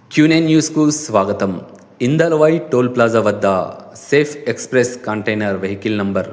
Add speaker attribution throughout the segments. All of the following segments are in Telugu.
Speaker 1: Q9 న్యూస్కు స్వాగతం. ఇందల్వాయి టోల్ ప్లాజా వద్ద safe express container vehicle number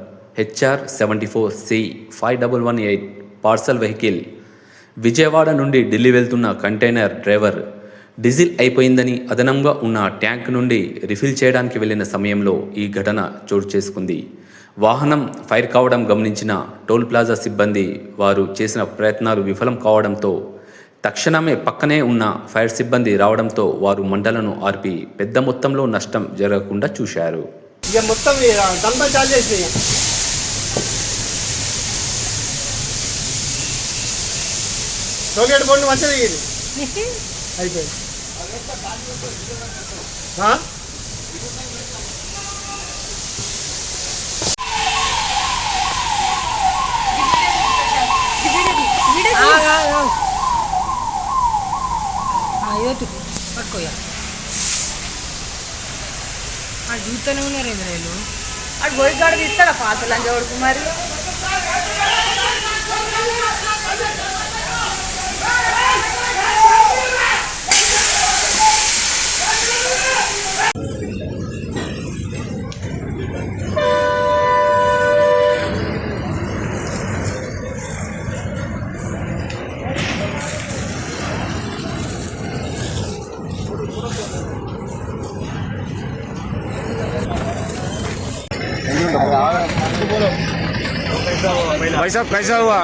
Speaker 1: HR74C5118 parcel vehicle Vijayawada నుండి ఢిల్లీ వెళ్తున్న కంటైనర్ డ్రైవర్ డీజిల్ అయిపోయిందని అదనంగా ఉన్న ట్యాంక్ నుండి రిఫిల్ చేయడానికి వెళ్లిన సమయంలో ఈ ఘటన చోటు చేసుకుంది. వాహనం ఫైర్ కావడం గమనించిన టోల్ ప్లాజా సిబ్బంది వారు చేసిన ప్రయత్నాలు విఫలం కావడంతో తక్షణమే పక్కనే ఉన్న ఫైర్ సిబ్బంది రావడంతో వారు మంటలను ఆర్పి పెద్ద మొత్తంలో నష్టం జరగకుండా చూశారు.
Speaker 2: పట్టుకోయా అది చూస్తూనే ఉన్నారు ఎదురేళ్ళు అటు పోయి కాడ తీస్తాడా పాతలు అని చూడుకు మరి
Speaker 3: भाई साहब कैसा हुआ?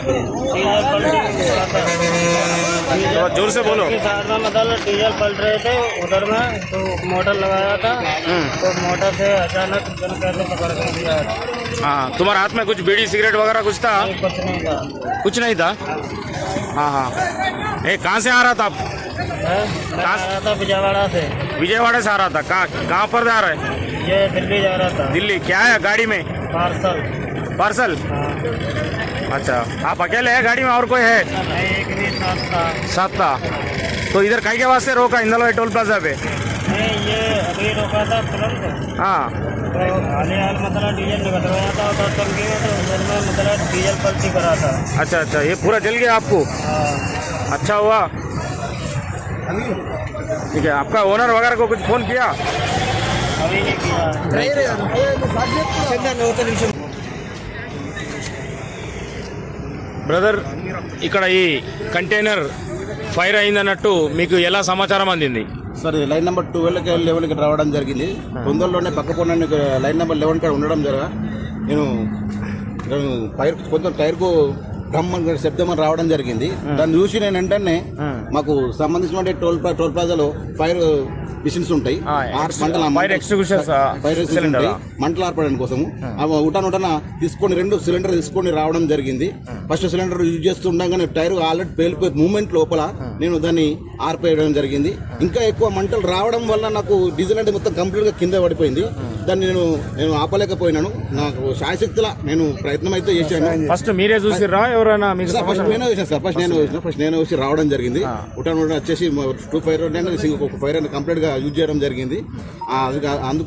Speaker 3: तो जोर से बोलो.
Speaker 4: साथ में मतलब डीजल पलट रहे थे उधर में तो मोटर लगाया था तो मोटर से अचानक कैसे पकड़ कर दिया.
Speaker 3: हाँ, तुम्हारे हाथ में कुछ बीड़ी सिगरेट वगैरह कुछ था?
Speaker 4: कुछ नहीं था.
Speaker 3: कुछ नहीं था? हाँ हाँ. कहाँ से आ रहा था आप?
Speaker 4: मैं आ रहा था विजयवाड़ा से.
Speaker 3: विजयवाड़ा से आ रहा था. कहाँ पर जा रहा है?
Speaker 4: ये दिल्ली जा रहा था.
Speaker 3: दिल्ली. क्या है गाड़ी में?
Speaker 4: पार्सल.
Speaker 3: पार्सल. अच्छा, आप अकेले हैं गाड़ी में और कोई है?
Speaker 4: नहीं, एक भी
Speaker 3: साथ था. तो इधर कहीं के वास्ते रोका इंदलवाई टोल प्लाजा पे?
Speaker 4: नहीं, ये अभी रोका था तुरंत.
Speaker 3: हाँ.
Speaker 4: तो हाल मतलब डीजल निकल रहा था उधर टंकी में तो उधर में मतलब डीजल पलटी करा था.
Speaker 3: अच्छा अच्छा, ये पूरा जल गया आपको? अच्छा हुआ. ठीक है, आपका ओनर वगैरह को कुछ फोन किया?
Speaker 4: अभी नहीं किया.
Speaker 3: బ్రదర్, ఇక్కడ ఈ కంటైనర్ ఫైర్ అయిందన్నట్టు మీకు ఎలా సమాచారం అందింది?
Speaker 5: సార్ లైన్ నెంబర్ 12కి 11కి రావడం జరిగింది. తొందరలోనే పక్క పొన్న లైన్ నెంబర్ 11 కాడ ఉండడం జరగా నేను టైర్ కొంచెం టైర్కు బ్రహ్మ శబ్దం రావడం జరిగింది. దాన్ని చూసి నేను వెంటనే మాకు సంబంధించిన టోల్ ప్లాజాలో ఫైర్ మిషన్స్ ఉంటాయి, మంటలు ఆర్పడానికి కోసము ఉటానుటన తీసుకొని 2 సిలిండర్ తీసుకొని రావడం జరిగింది. ఫస్ట్ సిలిండర్ యూజ్ చేస్తుండగానే టైర్ ఆల్రెడీ పేలిపోయి మూమెంట్ లోపల నేను దాన్ని ఆర్పేయడం జరిగింది. ఇంకా ఎక్కువ మంటలు రావడం వల్ల నాకు డీజిల్ అంటే మొత్తం కంప్లీట్ గా కింద పడిపోయింది. దాన్ని నేను ఆపలేకపోయినాను. నాకు శాయశక్తుల నేను ప్రయత్నం అయితే చేశాను.
Speaker 3: ఫస్ట్ మీరే చూసిరా ఎవరైనా?
Speaker 5: ఫస్ట్ నేనే చూసాను సార్. ఫస్ట్ నేను వచ్చి రావడం జరిగింది. ఉటాను వచ్చేసి 2 ఫైర్ ఒక ఫైర్ అని కంప్లీట్ గా యూజ్ చేయడం జరిగింది. అందుకు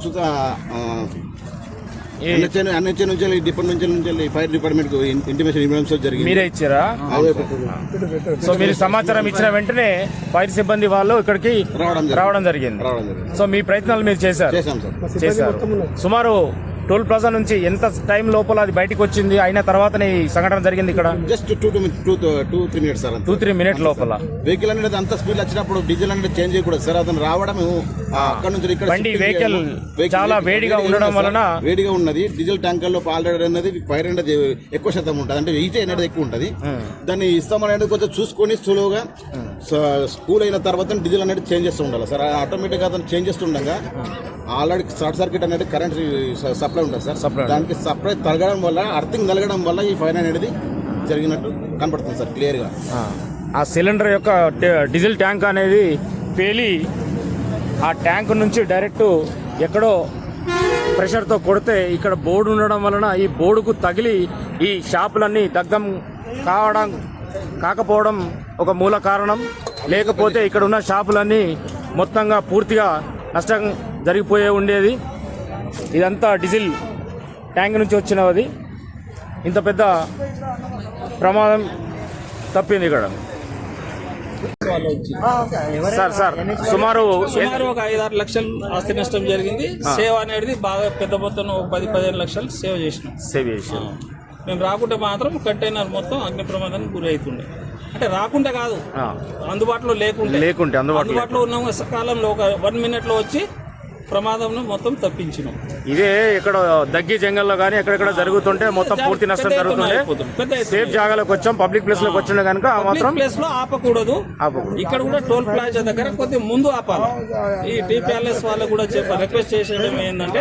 Speaker 5: ఎన్హెచ్ఏ నుంచి డిపార్ట్మెంట్ నుంచి ఫైర్ డిపార్ట్మెంట్ కు ఇంటిమేషన్ ఇవ్వడం జరిగింది.
Speaker 3: మీరే ఇచ్చారా? సో మీరు సమాచారం ఇచ్చిన వెంటనే ఫైర్ సిబ్బంది వాళ్ళు ఇక్కడికి రావడం జరిగింది. సో మీ ప్రయత్నాలు మీరు చేశారు? చేశారు. సుమారు టోల్ ప్లాజా నుంచి ఎంత టైం లోపల అది బయటకు వచ్చింది అయిన తర్వాతనే ఈ సంఘటన జరిగింది ఇక్కడ?
Speaker 5: Just 2-3 minutes sir.
Speaker 3: 2-3 మినిట్ లోపల
Speaker 5: వెహికల్ అనేది అంత స్పీడ్ వచ్చినప్పుడు డీజిల్ అనేది చేంజ్ చేయకూడదు సార్. అతను రావడం అక్కడ నుంచి ఇక్కడ
Speaker 3: వెహికల్ చాలా వేడిగా ఉండడం వలన
Speaker 5: వేడిగా ఉన్నది. డీజిల్ ట్యాంకర్ లో ఆల్రెడీ అనేది ఫైర్ అనేది ఎక్కువ శాతం ఉంటుంది, అంటే హీట్ అనేది ఎక్కువ ఉంటుంది. దాన్ని ఇస్తామనేది కొంచెం చూసుకొని స్లోగా కూల్ అయిన తర్వాత డీజిల్ అనేది చేంజ్ చేస్తూ ఉండాలి సార్. ఆటోమేటిక్ గా అతను చేంజ్ చేస్తుండగా ఆల్రెడీ షార్ట్ సర్క్యూట్ అనేది కరెంట్ సప్లై ఉంటుంది సార్. దానికి సప్లై తరగడం వల్ల అర్థింగ్ తగలడం వల్ల ఈ ఫైర్ అనేది జరిగినట్టు కనపడుతుంది సార్ క్లియర్ గా.
Speaker 3: ఆ సిలిండర్ యొక్క డీజిల్ ట్యాంక్ అనేది పేలి ఆ ట్యాంక్ నుంచి డైరెక్ట్ ఎక్కడో ప్రెషర్తో కొడితే ఇక్కడ బోర్డు ఉండడం వలన ఈ బోర్డుకు తగిలి ఈ షాపులన్నీ దగ్ధం కాకపోవడం ఒక మూల కారణం. లేకపోతే ఇక్కడ ఉన్న షాపులన్నీ మొత్తంగా పూర్తిగా నష్టం జరిగిపోయే ఉండేది. ఇదంతా డీజిల్ ట్యాంక్ నుంచి వచ్చినది. ఇంత పెద్ద ప్రమాదం తప్పింది ఇక్కడ.
Speaker 6: వాళ్ళు వచ్చి
Speaker 3: సార్ సుమారు
Speaker 6: ఒక 5-6 లక్షలు ఆస్తి నష్టం జరిగింది. సేవ్ అనేది బాగా పెద్ద మొత్తంలో 10-15 లక్షలు సేవ్ చేసినాం. మేము రాకుంటే మాత్రం కంటైనర్ మొత్తం అగ్ని ప్రమాదానికి గురి అవుతుండే. అంటే రాకుండా కాదు, అందుబాటులో లేకుంటే అందుబాటులో ఉన్న కాలంలో ఒక 1 minute లో వచ్చి ప్రమాదం మొత్తం తప్పించినాం.
Speaker 3: ఇదే ఇక్కడ దగ్గి జంగల్లో కానీ ఎక్కడెక్కడ జరుగుతుంటే మొత్తం పూర్తి నష్టం జరుగుతుండే. సేఫ్ జాగాలోకి వచ్చాం, పబ్లిక్ ప్లేస్ లోకి వచ్చిన కనుక మాత్రం
Speaker 6: ప్లేస్ లో ఆపకూడదు. ఇక్కడ కూడా టోల్ ప్లాజా దగ్గర కొద్దిగా ముందు ఆపాలి. ఈ టీ ప్యాలెస్ వాళ్ళకు కూడా రిక్వెస్ట్ చేసేయడం ఏంటంటే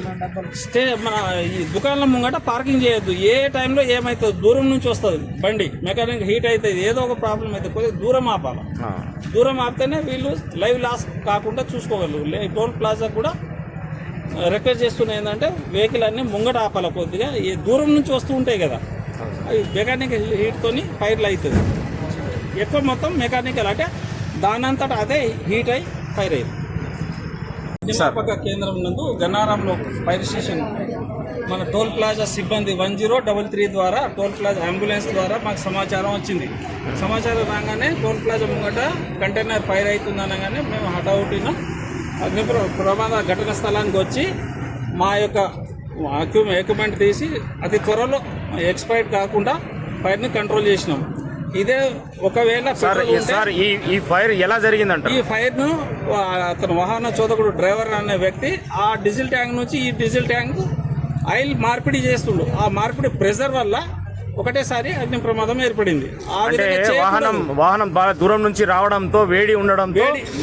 Speaker 6: మన ఈ దుకాణం ముంగట పార్కింగ్ చేయొద్దు. ఏ టైంలో ఏమైతుంది, దూరం నుంచి వస్తుంది బండి, మెకానిక్ హీట్ అవుతుంది, ఏదో ఒక ప్రాబ్లం అయితే కొద్దిగా దూరం ఆపాలి. దూరం ఆపితేనే వీళ్ళు లైవ్ లాస్ కాకుండా చూసుకోగలరు. టోల్ ప్లాజా కూడా రిక్వెస్ట్ చేస్తున్నా ఏంటంటే వెహికల్ అన్ని ముంగట ఆపాలి. కొద్దిగా ఈ దూరం నుంచి వస్తూ ఉంటాయి కదా, అవి మెకానిక్ హీట్తోని ఫైర్లు అవుతుంది. ఎక్కువ మొత్తం మెకానికల్ అంటే దానంతటా అదే హీట్ అయి ఫైర్ అయ్యింది. నియామక కేంద్రం నందు గన్నారంలో ఫైర్ స్టేషన్ మన టోల్ ప్లాజా సిబ్బంది 1033 ద్వారా టోల్ ప్లాజా అంబులెన్స్ ద్వారా మాకు సమాచారం వచ్చింది. సమాచారం రాగానే టోల్ ప్లాజా ముంగట కంటైనర్ ఫైర్ అవుతుంది అనగానే మేము హఠావుటిన అగ్ని ప్రమాద ఘటన స్థలానికి వచ్చి మా యొక్క ఎక్విప్మెంట్ తీసి అతి త్వరలో ఎక్స్పైర్డ్ కాకుండా ఫైర్ని కంట్రోల్ చేసినాం. ఇదే ఒకవేళ
Speaker 3: ఈ ఫైర్ ఎలా జరిగిందంట?
Speaker 6: ఈ ఫైర్ ను అతను వాహన చోదకుడు డ్రైవర్ అనే వ్యక్తి ఆ డీజిల్ ట్యాంక్ నుంచి ఈ డీజిల్ ట్యాంక్ ఆయిల్ మార్పిడి చేస్తుండు. ఆ మార్పిడి ప్రెషర్ వల్ల ఒకటేసారి అగ్ని ప్రమాదం ఏర్పడింది.
Speaker 3: వాహనం బాగా దూరం నుంచి రావడంతో వేడి ఉండడంతో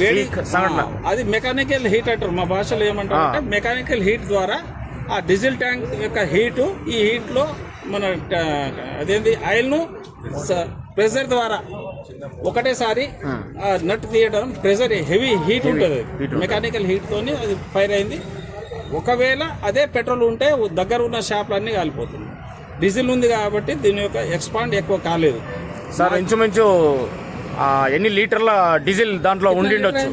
Speaker 6: అది మెకానికల్ హీట్ అంటారు. మా భాషలో ఏమంటారు అంటే మెకానికల్ హీట్ ద్వారా ఆ డీజిల్ ట్యాంక్ యొక్క హీటు ఈ హీట్ లో మన అదేంటి ఆయిల్ ను ప్రెషర్ ద్వారా ఒకటేసారి నట్ తీయడం, ప్రెషర్ హెవీ హీట్ ఉంటుంది, మెకానికల్ హీట్ తోని అది ఫైర్ అయింది. ఒకవేళ అదే పెట్రోల్ ఉంటే దగ్గర ఉన్న షాపులన్నీ కాలిపోతుంది. డీజిల్ ఉంది కాబట్టి దీని యొక్క ఎక్స్పాండ్ ఎక్కువ కాలేదు.
Speaker 3: సార్ ఇంచుమించు ఎన్ని లీటర్ల డీజిల్ దాంట్లో ఉండిండొచ్చు?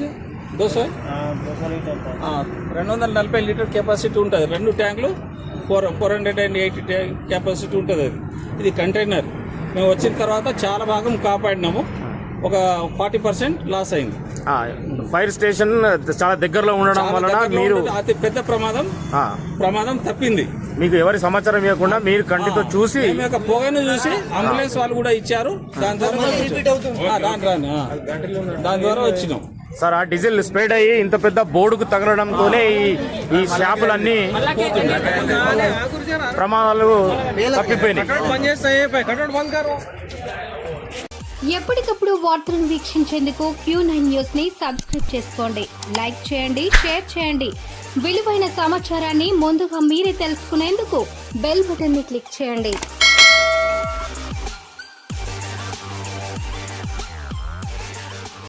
Speaker 6: 240 లీటర్ కెపాసిటీ ఉంటుంది. 2 ట్యాంకులు 480 కెపాసిటీ ఉంటుంది. ఇది కంటైనర్. మేము వచ్చిన తర్వాత చాలా భాగం కాపాడినాము. ఒక 40% లాస్ అయింది.
Speaker 3: ఫైర్ స్టేషన్ చాలా దగ్గరలో ఉండడం వలన మీరు
Speaker 6: అతి పెద్ద ప్రమాదం తప్పింది.
Speaker 3: మీకు ఎవరి సమాచారం ఇవ్వకుండా మీరు కంటితో చూసి
Speaker 6: పొగను చూసి అంబులెన్స్ వాళ్ళు కూడా ఇచ్చారు. దాని ద్వారా వచ్చినాం.
Speaker 3: సార్ ఆ డీజిల్ స్ప్రెడ్ అయ్యి ఇంత పెద్ద బోర్డుకు తగలడంతోనే ఈ షాపులన్నీ ప్రమాదాలు తప్పిపోయినాయి.
Speaker 7: ఎప్పటికప్పుడు వార్తలను వీక్షించేందుకు Q9 న్యూస్ ని సబ్స్క్రైబ్ చేసుకోండి, లైక్ చేయండి, షేర్ చేయండి. విలువైన సమాచారాన్ని ముందుగా మీరే తెలుసుకునేందుకు బెల్ బటన్ ని క్లిక్ చేయండి.